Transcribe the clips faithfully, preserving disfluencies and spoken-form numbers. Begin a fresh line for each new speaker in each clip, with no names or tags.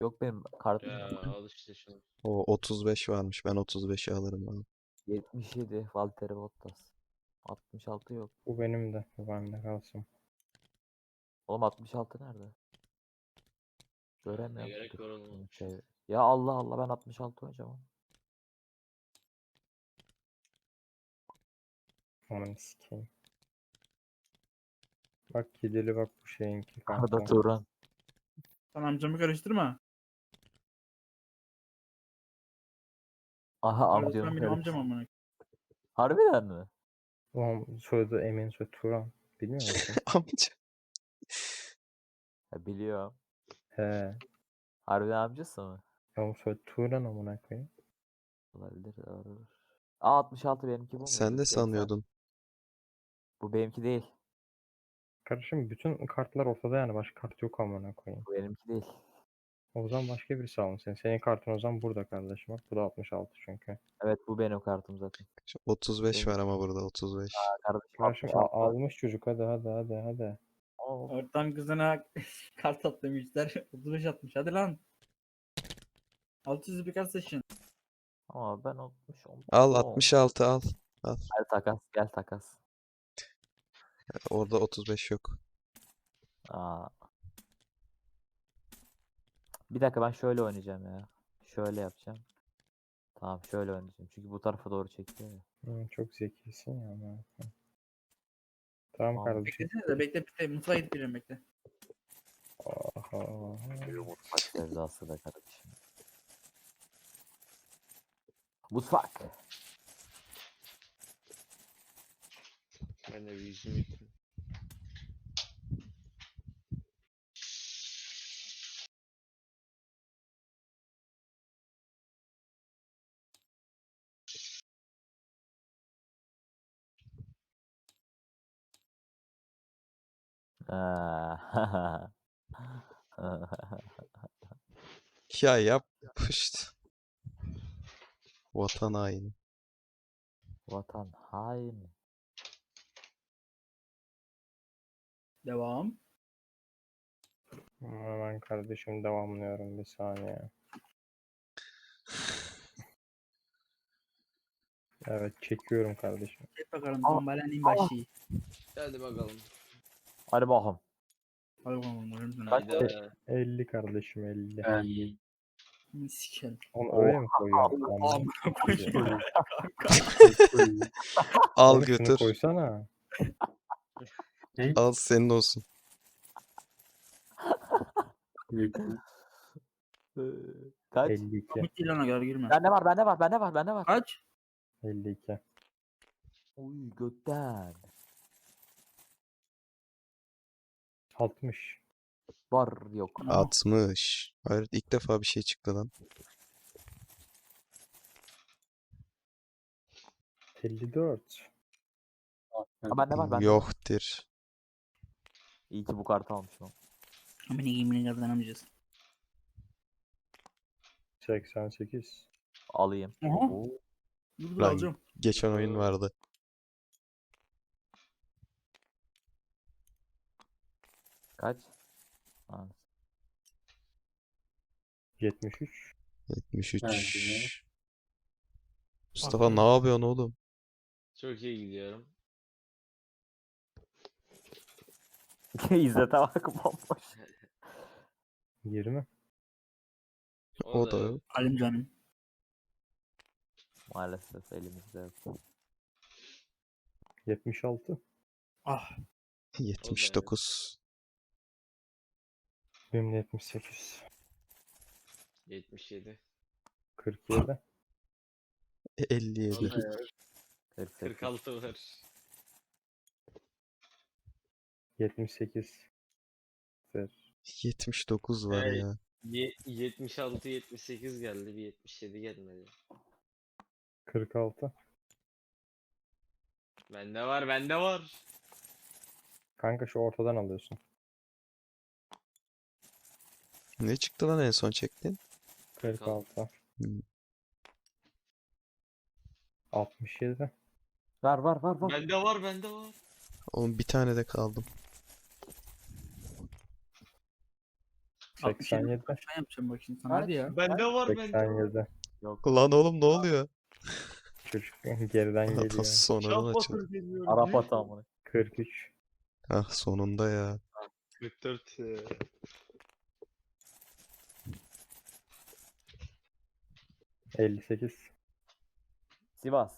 Yok benim kartım
Ya
yok.
al işte şunu.
O otuz beş varmış. Ben otuz beşi alırım abi.
yetmiş yedi Valtteri Bottas. altmış altı yok.
Bu benim de. Bu bende kalsın.
Oğlum altmış altı nerede?
Ne
Göremiyorum.
gerek
Dur,
var oğlum
şunu
altmış
şey-
altı.
Ya Allah Allah ben altmış altı oynayacağım.
Aman sikeyim. Bak kedili bak bu şeyinki
Arda
kanka.
Turan.
Sen amcamı karıştırma.
Aha
Arda
amcam.
Turan benim amcam amına.
Harbiden mi?
Ulan soyadı Emin, soyadı Turan. Bilmiyor musun?
Amca.
Ya biliyorum.
He.
Harbiden amcası mı?
Ama soyadı Turan amına koyayım.
Olabilir. Doğru. Aa altmış altı benimki bu
Sen
muydu?
de
seksen.
sanıyordun.
Bu benimki değil.
Kardeşim bütün kartlar ortada yani başka kart yok amına koyayım.
Bu benimki değil.
O zaman başka birisi alsın. Senin kartın o zaman burada kardeşim. Bak bu da altmış altı çünkü.
Evet bu benim kartım zaten.
otuz beş
Benim-
var ama burada otuz beş.
Aa, kardeşim
Kardeşim
altmış altı.
a- almış çocuk, hadi hadi hadi hadi.
Oo.
Ortam kızına kart at demişler. otuz beş atmış. Hadi lan. altı yüz bir kart seçin.
Ama ben altmış altı.
Al
Oo.
altmış altı al.
Gel takas gel takas.
Orada otuz beş yok.
Aa. Bir dakika ben şöyle oynayacağım ya. Şöyle yapacağım. Tamam şöyle oynayacağım. Çünkü bu tarafa doğru çekiyor ya.
Hı, çok zekisin ya amına koyayım. Tamam
Tamam.
kardeşim.
Beklesene de bekle bekle. Mutfağa gidip geliyorum bekle.
Aha.
Mutfak sevdası da kardeşim. Mutfak.
Ben de bir yüzümü yıkayayım.
Aa.
Ya yap işte. Vatan haini.
Vatan haini.
Devam.
Hemen kardeşim devamlıyorum bir saniye. Evet çekiyorum kardeşim.
Hep bakalım.
Aa,
Tombalanın başı.
Hadi bakalım.
Hadi bakalım.
Hadi bakalım. Hadi bakalım.
Kaç-
Hayda.
elli kardeşim elli.
Ay. Sikerim.
Onu öyle mi koyuyorsun? Amına
Amına koyayım.
Al
Oğlum şunu
götür.
koysana.
Al senin olsun.
Kaç?
elli iki.
Komik değil ona kadar girme.
Bende var bende var bende var bende var.
Kaç?
elli iki.
Uy götten.
altmış.
Var yok.
Aha.
altmış. Hayır ilk defa bir şey çıktı lan.
elli dört.
Ha, bende var bende var.
Yoktur.
İyi ki bu kartı almışım.
Amına yemin kazanamayacağız.
seksen sekiz.
Alayım.
Aha.
Oo.
Dur dur
Lan
alacağım.
geçen oyun vardı.
Kaç? Ha.
yetmiş üç.
yetmiş üç.
Kendine.
Mustafa ne yapıyorsun oğlum?
Çok iyi gidiyorum.
İzzet'e bak bomboş.
yirmi.
O da yok.
Alim canım.
Maalesef elimizde yok.
yetmiş altı.
Ah.
yetmiş dokuz.
Benim de yetmiş sekiz.
yetmiş yedi.
kırk yedi.
elli yedi.
Vallahi ya,
kırk sekiz.
kırk altı var.
yetmiş sekiz. Ver.
yetmiş dokuz var
Evet.
ya.
Ye- yetmiş altı yetmiş sekiz geldi. Bir yetmiş yedi gelmedi.
kırk altı.
Bende var bende var.
Kanka şu ortadan alıyorsun.
Ne çıktı lan en son çektin?
kırk altı.
Hmm.
altmış yedi.
Var var var var.
Bende var bende var.
Oğlum bir tane de kaldım.
altmış yedi
seksen yedi.
aşağı yapacağım bak şimdi sana. Hadi ya.
Bende var bende
seksen
var.
yedi.
Yok.
Lan oğlum ne oluyor?
Çocuk geriden
Adam
geliyor.
sonradan açıldı.
Şahbatır geliyor.
Arap atı amına.
kırk üç.
Ah sonunda ya.
kırk dört. e,
elli sekiz.
Sivas.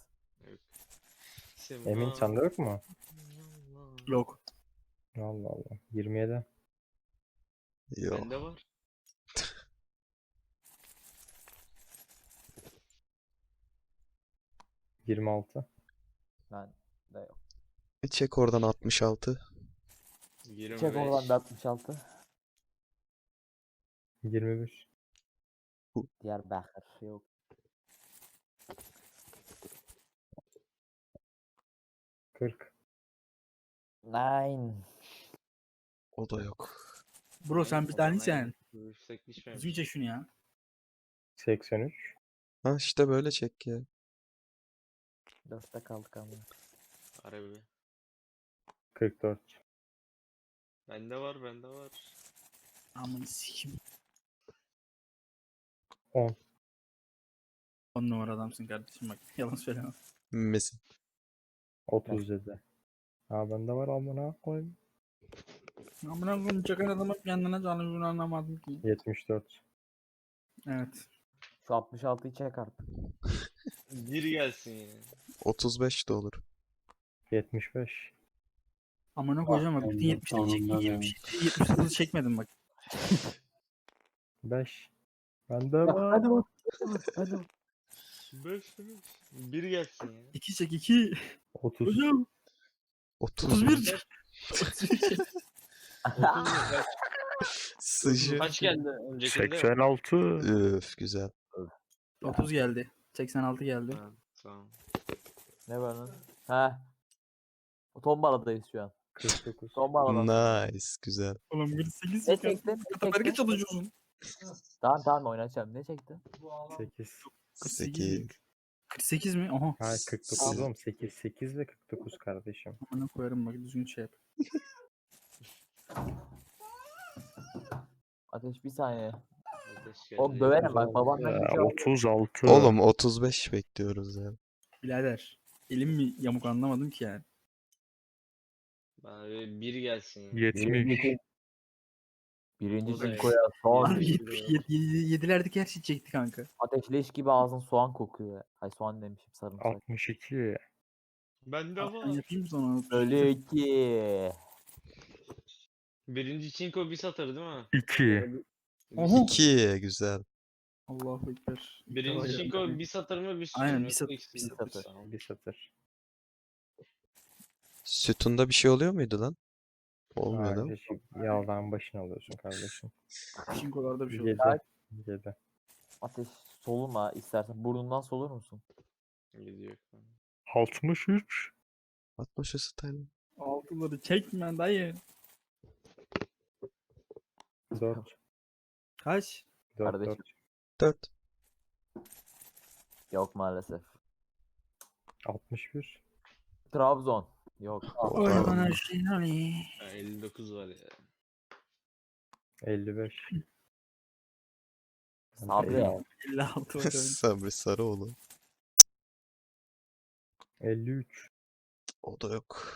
Emin sende yok mu?
Yok.
Allah Allah. yirmi yedi.
Yok.
Bende var.
yirmi altı.
Ben de yok.
Bir çek oradan altmış altı.
yirmi beş.
Çek oradan da altmış altı.
yirmi bir.
Diyarbakır yok.
kırk.
Nine.
O da yok.
Bro sen bir tane sen.
Yüksek düşmemiş.
Düzgün çek şunu ya.
seksen üç.
Ha işte böyle çek ya.
Dörtte kaldık ama.
Harbi.
kırk dört.
Bende var bende var.
Aman sikim.
on.
On numara adamsın kardeşim bak. Yalan söyleme.
Mesin.
otuz yedi. Ha bende var amına koyayım.
Amına koyayım çakan adamı kendine canını anlamadım ki.
yetmiş dört.
Evet.
Şu altmış altıyı çek artık.
Bir gelsin ya.
otuz beş de olur.
yetmiş beş.
Amına koyacağım bak. Bütün
ben de
yetmişleri çektim.
sonunda
yetmiş yedi, yetmiş dokuzu çekmedim bak.
beş. Bende var.
Hadi bak. Hadi bak.
beş beş. Bir gelsin ya.
iki çek iki.
otuz.
Hocam.
otuz
otuz
bir.
bir. otuz bir çek.
Otuz kaç,
Sıcı.
kaç geldi öncekinde?
seksen altı.
Öf güzel.
otuz geldi. seksen altı geldi.
Ha, tamam.
Ne var lan? Ha. Tombaladayız şu an.
kırk dokuz.
Tombalada.
Nice. Güzel.
Oğlum kırk sekiz
Ne
çek.
çektin? Ne
Kataberge
çektin?
çalışıyorsun.
Tamam tamam oynayacağım. Ne çektin?
sekiz.
kırk sekiz.
sekiz.
kırk sekiz mi? Aha.
Ha kırk dokuz oğlum. sekiz. sekiz ve kırk dokuz kardeşim.
Amına koyarım bak düzgün şey yap.
Ateş bir saniye.
Ateş geldi.
Oğlum döverim bak babandan bir şey aldı.
otuz altı.
Oğlum otuz beş bekliyoruz ya.
Birader. Elim mi yamuk anlamadım ki yani.
Bana bir bir gelsin ya.
yetmiş.
Birinci
O da
çinkoya soğan.
Abi
Yedi
yetmiş
lira.
yedi, yedi, yedilerdeki her şeyi çekti kanka.
Ateşleş gibi ağzın soğan kokuyor ya. Ay soğan demişim sarımsak.
altmış iki.
Bende
Ben
var.
yapayım sonra.
Ölü iki.
Birinci çinko bir satır değil mi?
iki.
Oha.
iki güzel.
Allahu ekber.
Birinci
Vay
çinko
be.
bir satır mı bir
Aynen,
satır
bir satır,
İkisi
bir
de
satır.
Tamam.
Bir satır.
Sütunda bir şey oluyor muydu lan? Olmuyor değil mi?
Kardeşim yağdan başını alıyorsun kardeşim.
Çinkolarda bir şey
yedi.
oldu.
yedi.
Ateş soluma istersen. Burnundan solur musun?
Gidiyor.
altmış üç.
altmış style.
Altıları çekme dayı.
dört.
Kaç?
dört.
Kardeşim.
dört.
dört.
Yok maalesef.
altmış bir.
Trabzon. Yok.
Oy bana şey Ali.
Ha, elli dokuz var ya.
elli beş.
Sabri.
elli altı.
elli altı var.
Sabri Sarıoğlu.
elli üç.
O da yok.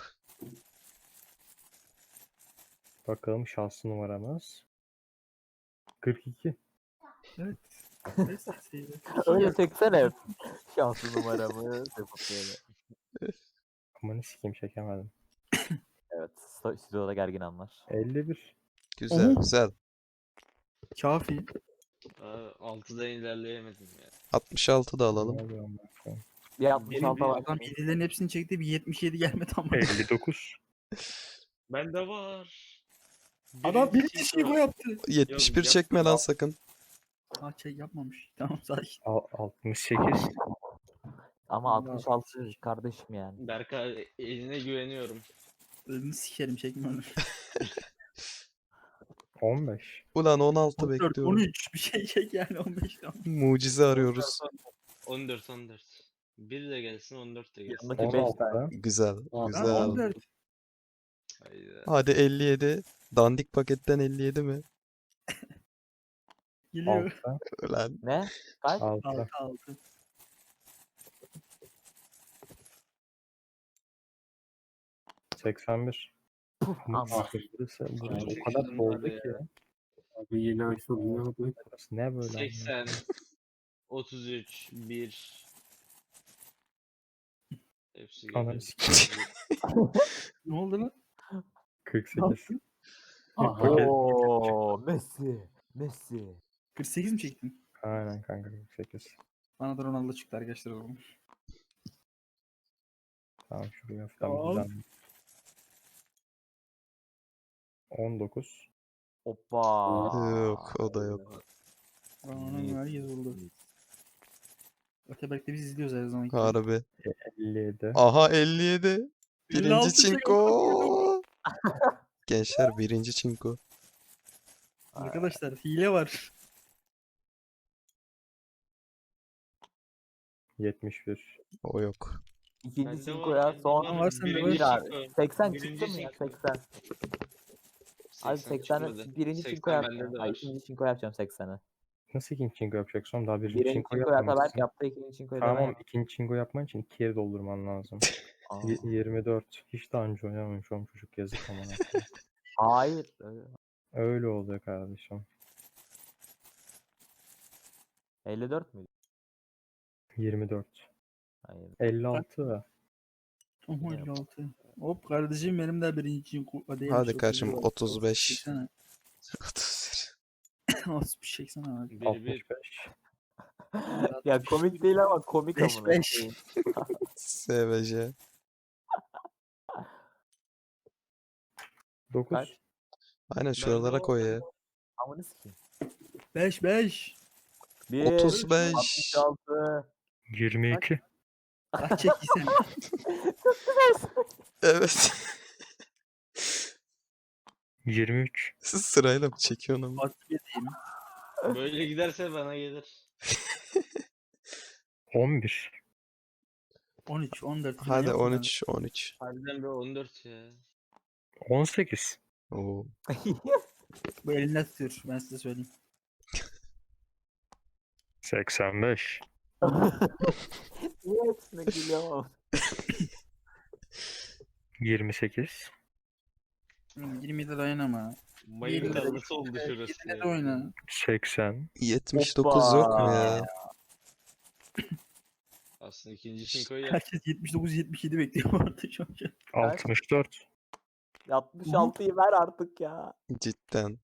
Bakalım şahs numaramız. kırk iki.
Evet. Neyse, şey-
Öyle çeksene. Şanslı numaramı. Yapıp böyle.
Amanı sikeyim çekemedim.
Evet. sto- Stüdyoda gergin anlar.
elli bir.
Güzel
Oha.
güzel.
Kafi.
Aa, altıdan ilerleyemedim ya.
altmış altı da
Ne
alalım.
oluyor amına koyayım?
Bir altmış altı var.
Adam yedilerin hepsini çekti bir yetmiş yedi gelmedi ama.
elli dokuz.
Bende var.
Adam
Birinci
bir
çinko.
kişiyi yaptı.
yetmiş bir
Yok,
çekme
yapma.
lan sakın.
Ha şey yapmamış. Tamam sakin.
Al- altmış sekiz.
Ama
Allah
altmış altı kardeşim yani.
Berkay eline güveniyorum.
Elini sikerim çekme onu.
on beş.
Ulan on altı
on dört,
bekliyorum.
on üç bir şey çek yani on beş tamam.
Mucize arıyoruz.
on dört on dört. bir de gelsin on dört de gelsin.
Yanındaki beş tane.
on altı.
Güzel.
Aa,
Güzel.
Tamam on dört.
Hayda.
Hadi elli yedi. Dandik paketten elli yedi mi?
Geliyor.
altı.
Lan.
Ne? Kaç?
altı.
altı altı.
seksen bir.
Ama
Burası, burası
Çok
o kadar
yakın
doldu
var
ki.
ya.
Abi yine açıldı ne oldu?
Burası ne böyle? amına?
seksen, otuz üç, bir. Hepsi
Ananı
geliyor.
sikeyim.
Ne oldu lan?
kırk sekiz.
Aha.
Paket-
ooo Messi. Messi.
kırk sekiz mi çektin?
Aynen kanka kırk sekiz.
Bana da Ronaldo çıktı arkadaşlar o zaman.
Tamam şuraya hafiften
Tamam.
düzenle. on dokuz.
Hoppa.
Yok o da yok.
Ronaldo herkes oldu. Öteberk'te biz izliyoruz her zaman.
Harbi.
elli yedi.
Aha elli yedi.
elli
Birinci
altı şey
çinko. Gençler birinci çinko.
Arkadaşlar hile var.
yetmiş bir.
O yok.
İkinci
Bende
çinkoya
var,
son
bende
var, sende
Birinci
bir abi.
çinko.
seksen
Birinci
çıktı mı ya?
çinko.
seksen. Abi
seksen
seksen
çıkmadı.
birinci
seksen
çinko
bende
yapacağım.
de
Ay
var.
ikinci çinko yapacağım sekseni.
Nasıl ikinci çinko yapacaksın? Daha birinci
Birinci
çinko
çinko Ataberk
yapmamışsın.
yaptı. İkinci çinkoyu da ben
Tamam
yaptım.
ikinci çinko yapman için iki yeri doldurman lazım.
Aa,
Y- yirmi dört. Hiç daha önce oynamamış oğlum çocuk yazık ama.
hayır. öyle-
Öyle oluyor kardeşim.
elli dört müydü?
yirmi dört.
Hayır.
elli altı.
Oho elli altı. Hop kardeşim benim de birinci için değilmiş.
Hadi kardeşim,
otuz bir,
otuz beş.
çeksene.
otuz
otuz bir çeksene abi.
Bir bir.
altmış beş.
Ya komik değil ama komik
Beş,
amına
beş.
koyayım.
S V J.
dokuz.
Kaç?
Aynen şuralara koy ya.
Amına sikeyim.
beş beş.
bir,
otuz beş.
altmış altı.
yirmi iki.
Kaç çekiysen.
Evet.
yirmi üç.
Siz sırayla mı çekiyorsun ama?
altmış bir diyeyim.
Böyle giderse bana gelir.
on bir.
on üç on dört. falan
Hadi
yapma
on
abi.
üç on üç.
Harbiden bir on dört ya.
on sekiz.
Oo.
Bu elinde tutuyor ben size söyleyeyim.
seksen beş.
Niye hepsine gülüyorum ama?
yirmi sekiz.
yirmi yedi dayanama.
Mayın
Yirmi
tarlası oldu şurası.
yirmi de
ya.
oyna.
seksen.
yetmiş dokuz yok mu
Hoppa.
ya?
Aslında ikinci çinkoyu yap.
Herkes yetmiş dokuz yetmiş yedi bekliyor bu arada şu an.
altmış dört.
altmış altıyı ver artık ya.
Cidden.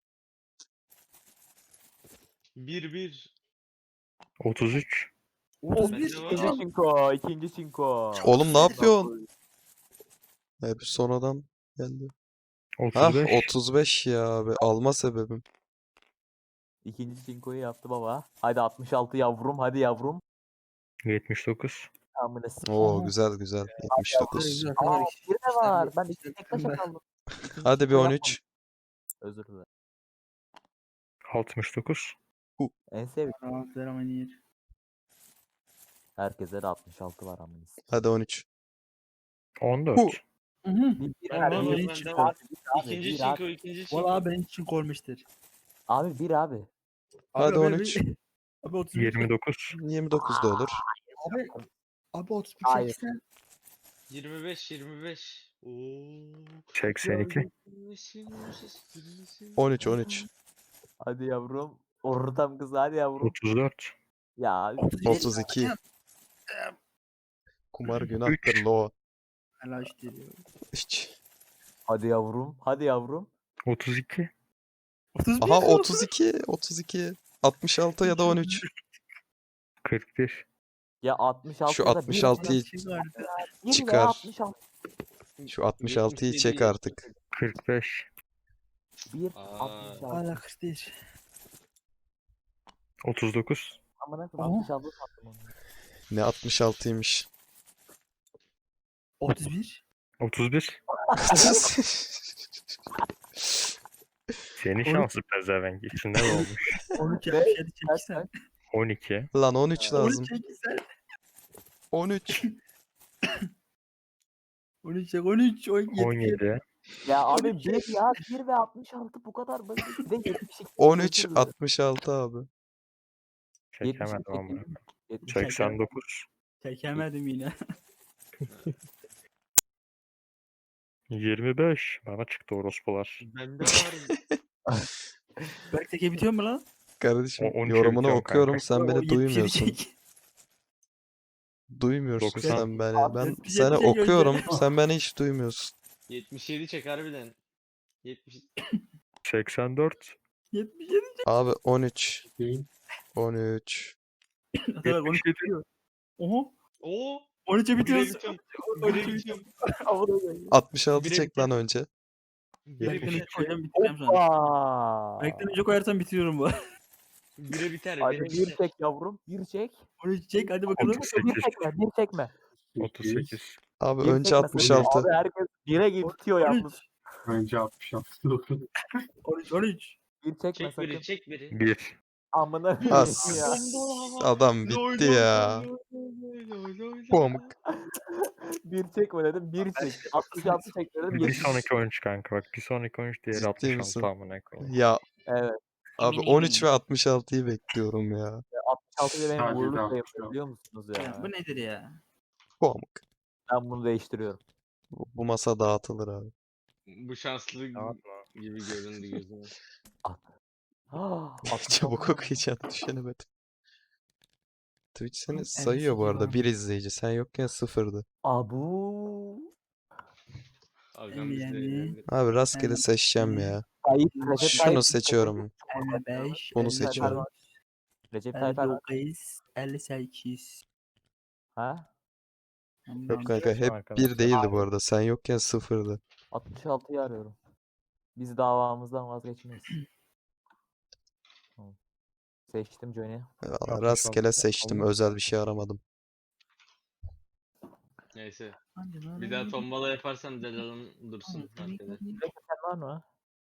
bir bir.
otuz üç.
otuz
Bende
bir.
var.
İkinci çinko. ikinci çinko.
Oğlum ne yapıyorsun? Hep sonradan geldi. Hah
otuz beş.
otuz beş ya abi. Alma sebebim.
İkinci çinkoyu yaptı baba. Hadi altmış altı yavrum. Hadi yavrum.
yetmiş dokuz.
Amına sikeyim.
Oo güzel güzel. yetmiş dokuz.
Güzel,
Aa
Ataberk.
bir de var. Ben
İşte
iki tek taşa
ben-
kaldım. İkinci
Hadi bir
çinko
on
yapmadım.
üç.
Özür dilerim.
altmış dokuz.
En sevdiğim.
Rahat ver ama yer.
Herkese de altmış altı var amına sikeyim.
Hadi on üç.
on dört.
Hu.
Hı hı.
Bir, bir,
Bende
abi,
var,
bir,
bende
bir,
var.
abi, bir, abi,
İkinci
bir,
çinko,
abi.
ikinci çinko.
Valla benim için koymuştur.
Abi bir abi.
Hadi
Abi,
on
abi-
üç.
Abi otuz bir.
yirmi dokuz.
yirmi dokuz da olur.
Abi, abi otuz bir
Hayır.
çeksen.
yirmi beş yirmi beş. Oo.
seksen iki.
on üç on üç.
Hadi yavrum. Ortam kız hadi yavrum.
otuz dört.
Ya
otuz iki. Kumar günahtır
Üç.
lo.
Hala işte diyor.
Hiç.
hadi yavrum. Hadi yavrum.
otuz iki.
otuz bir.
Aha otuz iki. otuz iki. altmış altı ya da on üç.
kırk bir.
Ya altmış altı
Şu
ya da bir
altmış altıyı
Şey vardı.
bir veya
çıkar.
altmış altı.
Şu altmış altıyı çek artık.
kırk beş.
bir
Aa.
altmış altı.
Hala kırk bir.
otuz dokuz.
Amına
Aha.
koyayım altmış altı sattım onu.
Ne altmış altıymış.
otuz bir.
otuz bir. Senin şansı pezevenk. İçinde ne olmuş?
on üç
Ne?
yapmış hadi
Kaç
çeksen.
kaç?
on iki.
Lan on üç
on
lazım.
üç çeksen.
on üç.
on üç çek on üç. on yedi.
on yedi.
Ya abi bir ya bir ve altmış altı bu kadar basit. Bir de yetmiş iki.
on üç
Özür dilerim.
altmış altı abi.
Çekemedim ama.
yetmiş sekiz.
seksen dokuz.
Çekemedim yine.
yirmi beş. Bana çıktı orospular.
Bende var.
Berk çekebiliyor mu lan?
Kardeşim
O- on üçe
yorumunu
bitiyorum
okuyorum
kanka.
sen
O
beni
yetmişe
duymuyorsun.
bitecek.
Duymuyorsun
doksan.
sen beni. Ben
yetmiş
seni
yetmişe
okuyorum
gönder.
sen beni hiç duymuyorsun.
yetmiş yedi çek harbiden. yetmiş.
seksen dört.
yetmiş yedi.
Abi on üç.
Değil.
on üç.
Hadi bak on üç bitiyor. Oha.
Oo.
on üçe
Bire
bitiyoruz.
bitiyorum.
on
Bire
üçe
bitiyorum.
altmış altı
Bire
çek lan önce.
Bire
Berk'ten
biter.
önce koyacağım bitireceğim sonra.
Hoppa.
Berk'ten önce koyarsam bitiriyorum bu.
Bire biter.
Hadi
Bire
bir
biter.
çek yavrum. Bir çek.
on üç çek hadi bakalım.
otuz
Bir
sekiz.
çekme. Bir çekme.
otuz sekiz.
Abi
Bir
önce
çekme
altmış
sakın.
altı.
Abi herkes bire gibi bitiyor
on
yalnız.
üç.
Önce altmış altı dokuz.
on üç. on üç.
Bir çekme
Çek
sakın.
biri çek biri.
bir.
Amına
As.
koyayım ya.
Adam bitti ya. Pamuk.
Bir çekme dedim. Bir çek. altmış altı çek dedim.
Bir
yetmiş.
sonraki oyuncu kanka bak. Bir sonraki oyuncu diğeri
Ciddi
altmış
misin?
altı amına koyayım.
Ya
Evet.
abi
Emin
on üç
eminim.
ve altmış altıyı bekliyorum ya.
altmış altı ile benim
Sadece
uğurlu
de
sayımdır
altmış altı.
biliyor musunuz
Ya
ya?
bu nedir ya?
Pamuk.
Ben bunu değiştiriyorum.
Bu, bu masa dağıtılır abi.
Bu şanslı
Dağıtma.
gibi göründü gözüme.
Ah,
Çabuk okuyacağını düşünemedim. Twitch seni
en
sayıyor bu
sıfır
arada.
var.
Bir izleyici. Sen yokken sıfırdı.
Abu.
Agam bizde
Yani-
eğlendi.
Abi rastgele
Ben-
seçeceğim ya.
Tayyip, Recep Tayyip
Şunu seçiyorum.
elli beş.
Bunu
elli
seçiyorum.
dört,
Recep
elli
Tayyip Erdoğan.
dokuz. elli sekiz.
Ha?
Yok kanka hep
Arkadaşlar.
bir değildi bu arada. Sen yokken sıfırdı.
altmış altıyı arıyorum. Biz davamızdan vazgeçmeyiz. Tamam. Seçtim Johnny.
Valla
altmış
rastgele
altı.
seçtim.
Oldu.
Özel bir şey aramadım.
Neyse. Bir daha tombala yaparsan Delal'ın dursun arkada.
Sen var mı?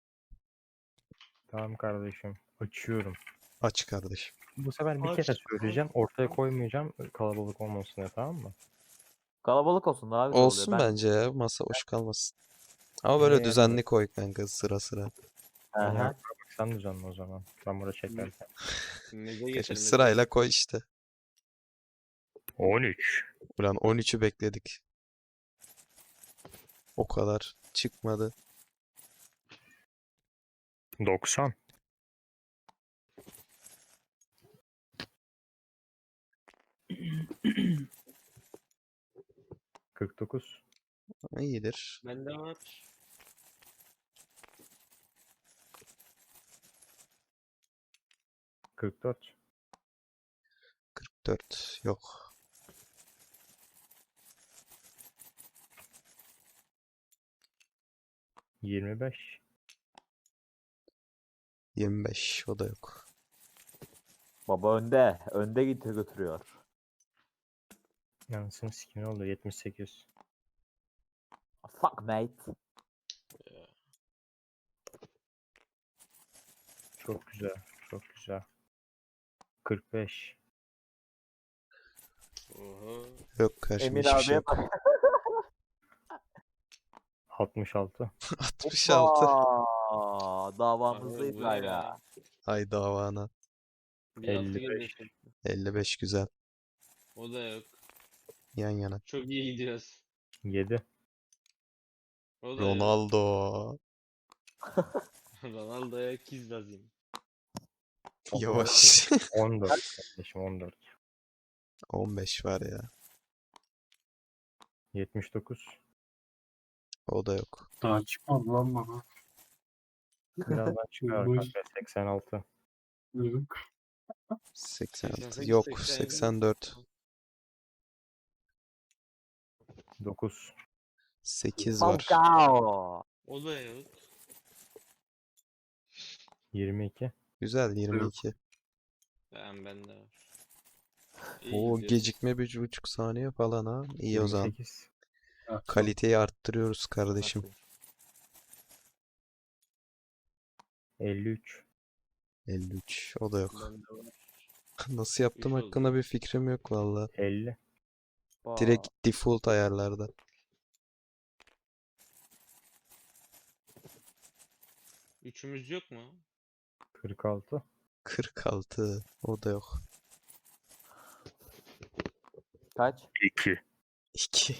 Tamam kardeşim. Açıyorum.
Aç kardeşim.
Bu sefer bir
Aç.
kere söyleyeceğim. Ortaya koymayacağım. Kalabalık olmasın diye, tamam mı?
Kalabalık olsun daha güzel
Olsun
oluyor. Ben...
bence ya. Masa boş kalmasın. Ama böyle
Ee,
düzenli koy kanka sıra sıra.
Aha.
Bak sen düzenle o zaman. Ben burada çekerken.
Neze
Geçer,
geçelim.
sırayla koy işte.
on üç.
Ulan on üçü bekledik. O kadar çıkmadı.
doksan. kırk dokuz.
İyidir.
Bende var.
kırk dört.
kırk dört yok.
yirmi beş.
yirmi beş o da yok.
Baba önde. Önde gidiyor götürüyor.
Yansın skin oldu. yetmiş sekiz.
Fuck mate.
Çok güzel. Çok güzel. kırk beş.
Oho.
Yok karşıma
Emin
hiçbir şey
abiye
yok.
bak.
altmış altı.
altmış altı.
Hoppa! Davamızdayız
Abi bu ne
hala.
ya?
Ay davana.
Bir altı
elli
geliyor
beş.
şimdi.
elli beş güzel.
O da yok.
Yan yana.
Çok iyi gidiyoruz.
yedi.
O da yok.
Ronaldo.
Ronaldo'ya kiz lazım.
Yavaş.
on dört kardeşim, on dört.
on beş var ya.
yetmiş dokuz.
O da yok.
Daha çıkmadı lan bana.
Birazdan çıkar
Buyur.
kanka. seksen altı.
Yok.
seksen altı.
seksen sekiz,
Yok.
seksen yedi.
seksen dört.
dokuz.
sekiz var.
Falcao.
O da yok.
yirmi iki.
Güzel yirmi iki.
Ben bende var. İyi
O
gidiyoruz.
gecikme bir buçuk saniye falan ha. İyi o zaman.
yirmi sekiz.
Ha,
Kaliteyi arttırıyoruz kardeşim.
Nasıl?
elli üç.
elli üç. O da yok.
Bende var.
Nasıl yaptım
Üç oldu.
hakkında bir fikrim yok valla.
elli.
Direkt default ayarlarda.
Üçümüz yok mu?
kırk altı.
kırk altı. O da yok.
Kaç?
iki.
iki.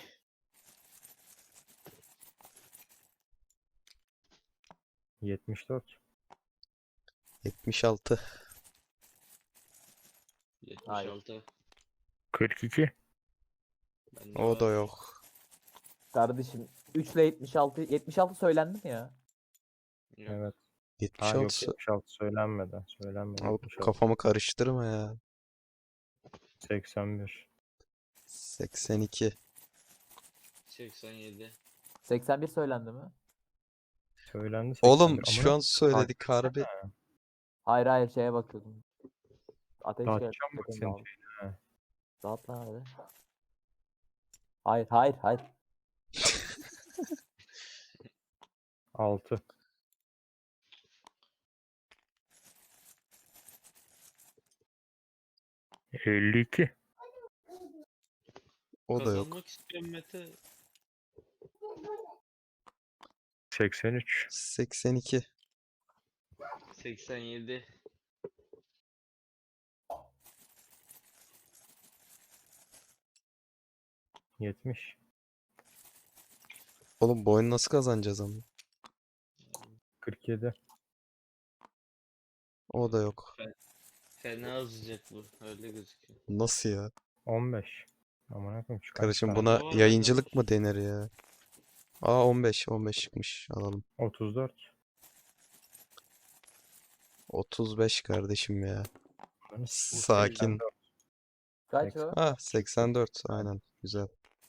yetmiş dört.
yetmiş altı.
yetmiş
Hayır.
altı.
kırk iki.
Bende
O da
var.
yok.
Kardeşim üç ile yetmiş altı. yetmiş altı söylendi mi ya?
Yok.
Evet. Ha
yetmiş
yok
altı.
yetmiş altı söylenmedi. Söylenmedi.
Al,
yetmiş altı.
kafamı karıştırma ya.
seksen bir.
seksen iki.
seksen yedi.
seksen bir söylendi mi?
Söylendi
Oğlum
seksen bir.
şu
Amına
an söyledik
taktiksene.
harbi.
Hayır hayır şeye bakıyordum. Ateş
Dağıtacağım
geldi.
bak
Bakın
senin
dağıldı.
şeyini.
Dağıt lan hadi. Hayır hayır hayır.
altı. elli iki.
O da yok.
Kazanmak istiyorum Mete.
seksen üç.
seksen iki.
seksen yedi.
yetmiş.
Oğlum bu oyunu nasıl kazanacağız ama?
kırk yedi.
O da yok.
Fena azıcık bu. Öyle gözüküyor.
Nasıl ya?
on beş. Amına koyayım şu kaç
Kardeşim
tane?
buna
Bu arada-
yayıncılık mı denir ya? Aa on beş. on beş çıkmış. Alalım.
otuz dört.
otuz beş kardeşim ya.
Ananı
Sakin.
Kaç o?
Ah seksen dört. Aynen. Güzel.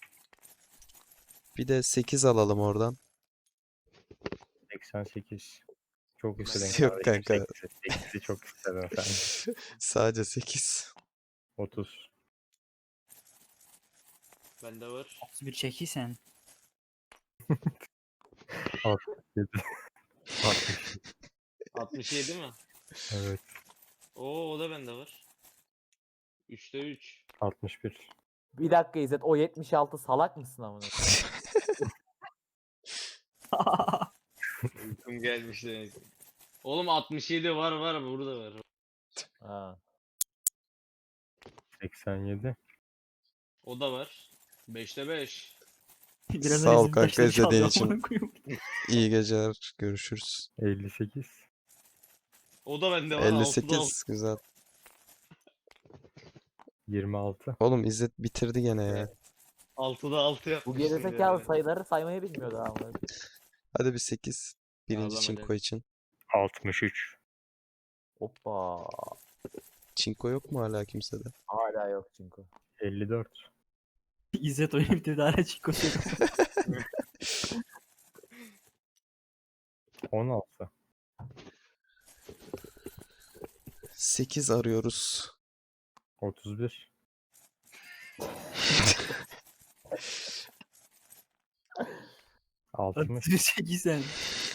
Bir de sekiz alalım oradan.
seksen sekiz. Çok istedin
Yok
kardeşim,
kanka.
sekizi. sekizi çok istedin sen.
Sadece sekiz.
otuz.
Bende var.
otuz bir çekiysen.
altmış.
altmış yedi mi?
Evet.
Oo o da bende var. üçte üç.
altmış bir.
Bir dakika İzzet o yetmiş altı salak mısın amına?
Uykum gelmiş demek. Oğlum altmış yedi var var burada var.
Ha.
seksen yedi.
O da var. beşte beş.
Biraz
Sağ ol
önce
kanka
beşleri
izlediğin
çaldı,
için.
amına koyayım.
İyi geceler. Görüşürüz.
elli sekiz.
O da bende var.
elli
altıda altı.
sekiz. Güzel.
yirmi altı.
Oğlum İzzet bitirdi gene ya.
altıda altı
Bu
yapmışsın.
gerizekalı
yani.
sayıları saymayı bilmiyordu amına.
Hadi bir sekiz. Birinci
Ağlama
çinko
dedim.
için.
altmış üç.
Hoppa.
Çinko yok mu hala kimsede?
Hala yok çünkü.
elli dört.
İzzet oyunu bitirdi hala çiko söylüyor.
on altı.
sekiz arıyoruz.
otuz bir. altmış.
otuz bir çekiysen.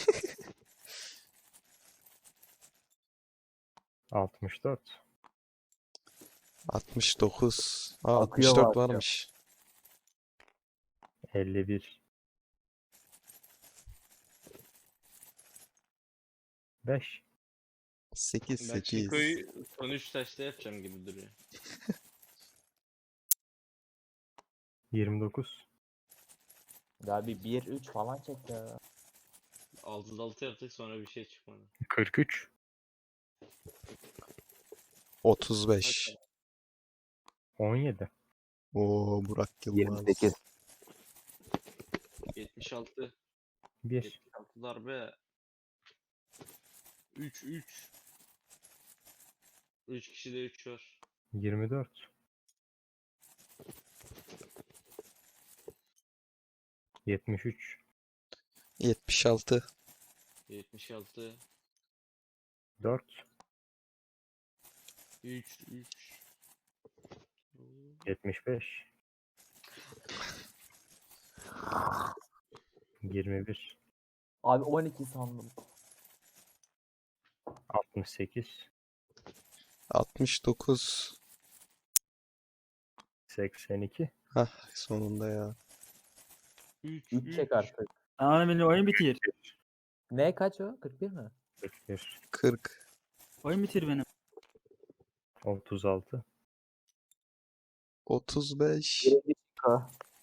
altmış dört.
altmış dokuz. Aa
Akıyor
altmış dört
bak ya.
varmış.
elli bir. beş.
sekiz
Ben
sekiz.
Chico'yu son üç taşta yapacağım gibi duruyor.
yirmi dokuz.
Ya bir bir üç falan çek ya.
altıda altı yaptık sonra bir şey çıkmadı.
kırk üç.
otuz beş.
on yedi.
Oo Burak Yılmaz.
yirmi sekiz.
yetmiş altı.
bir.
yetmiş altı darbe. üç üç. üç kişide üç var.
yirmi dört. yetmiş üç.
yetmiş altı.
yetmiş altı.
dört.
üç üç.
yetmiş beş. yirmi bir.
Abi on iki sandım.
altmış sekiz.
altmış dokuz.
seksen iki.
Hah sonunda ya.
üç
üç çek artık.
Tamam benim oyun bitir.
Ne kaç o? kırk bir mi?
kırk bir.
kırk.
Oyun bitir benim.
otuz altı.
otuz beş.
Birinci çinko.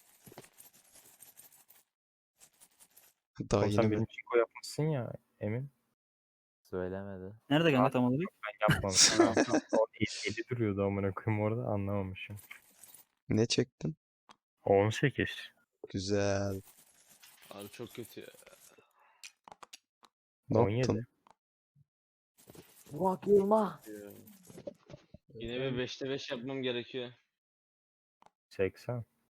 Daha
Oğlum sen
yeni bir
benim çinko yapmışsın ya Emin.
Söylemedi.
Nerede kanka tam olarak?
Ben yapmamışım.
Tamam.
O eli duruyordu amına koyayım orada anlamamışım.
ne çektin?
on sekiz.
Güzel.
Abi çok kötü ya.
Ne
on yedi.
yaptın?
Burak Yılmaz.
Yine bir beşte beş yapmam gerekiyor.
seksen.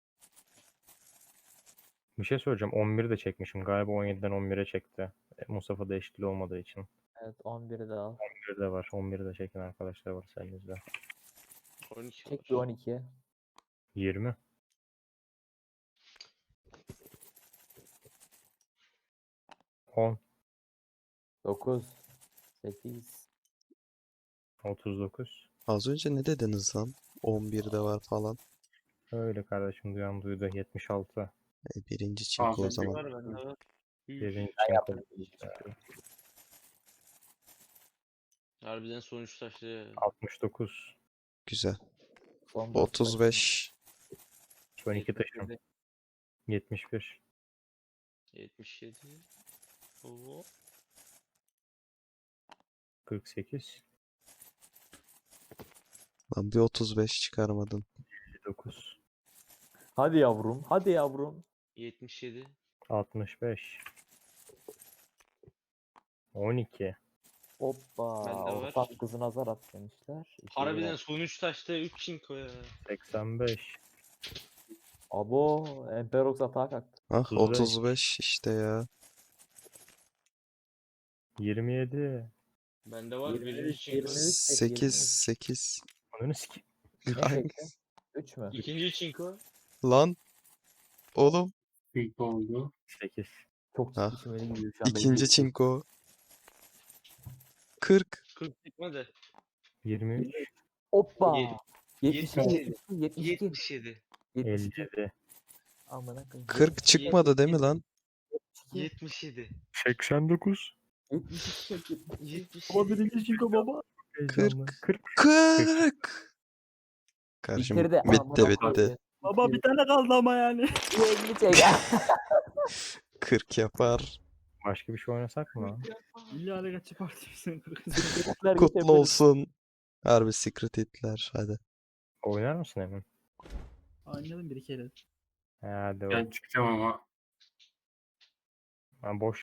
Bir şey söyleyeceğim. on bir de çekmişim. Galiba on yediden on bire çekti. E, Mustafa da eşitli olmadığı için.
Evet on biri de al.
on bir de var. on bir de çeken arkadaşlar var elinizde.
on iki
Çek bir
var.
on iki.
yirmi. on.
dokuz. sekiz.
otuz dokuz.
Az önce ne dediniz lan? on birde var falan.
Öyle kardeşim duyan duydu. yetmiş altı.
E, birinci çinko o
Abi,
zaman.
Var bende var. Üf.
Birinci
Ben
çinko.
yaptım birinci çinko.
Harbiden sonuç taşlı ya.
altmış dokuz.
Güzel.
Son dört
otuz beş.
on iki taşım.
yetmiş yedi.
yetmiş bir.
yetmiş yedi. Oo.
kırk sekiz.
Lan bir otuz beş çıkarmadın.
elli dokuz.
Hadi yavrum. Hadi yavrum.
yetmiş yedi.
altmış beş. on iki.
Hoppa.
Bende var.
Ortak kızı nazar at demişler. İki
Harbiden
lira.
sonuç taşlı üç çinko ya.
seksen beş.
Abo. Emperox atağa kalktı.
Ah
otuz beş.
otuz beş işte ya.
yirmi yedi.
Bende var
yirmi
birinci
üç,
çinko.
yirmi üç.
sekiz sekiz.
Ananı sikeyim.
Ne
Hangi-
çekti? üç mü?
İkinci çinko.
Lan oğlum.
İlk oldu.
sekiz.
Çok
Ah,
ciddi çimeni gidiyor şu an.
İkinci çinko. kırk.
kırk çıkmadı.
yirmi üç.
Hoppa.
Yedi-
yetmiş iki.
yetmiş
yetmiş iki.
yetmiş yedi.
yetmiş iki.
elli yedi.
Amına koyayım.
kırk çıkmadı değil mi lan?
yetmiş yedi.
seksen dokuz.
yetmiş iki.
yetmiş
Baba
yedi.
birinci çinko baba.
Heyecanlı. kırk.
kırk. Kardeşim
Bitirdi.
bitti
Amına
bitti.
koyayım.
Baba bir tane kaldı ama yani.
elli çek.
kırk yapar.
Başka bir şey oynasak mı lan?
İlla ale kaçı partimizin
Secretler
Kutlu
geçebilir.
olsun. Harbi secret hitler hadi.
Oynar mısın Emin?
Oynadım bir kere.
Hadi
Ben
oğlum.
çıkacağım ama
Ben boş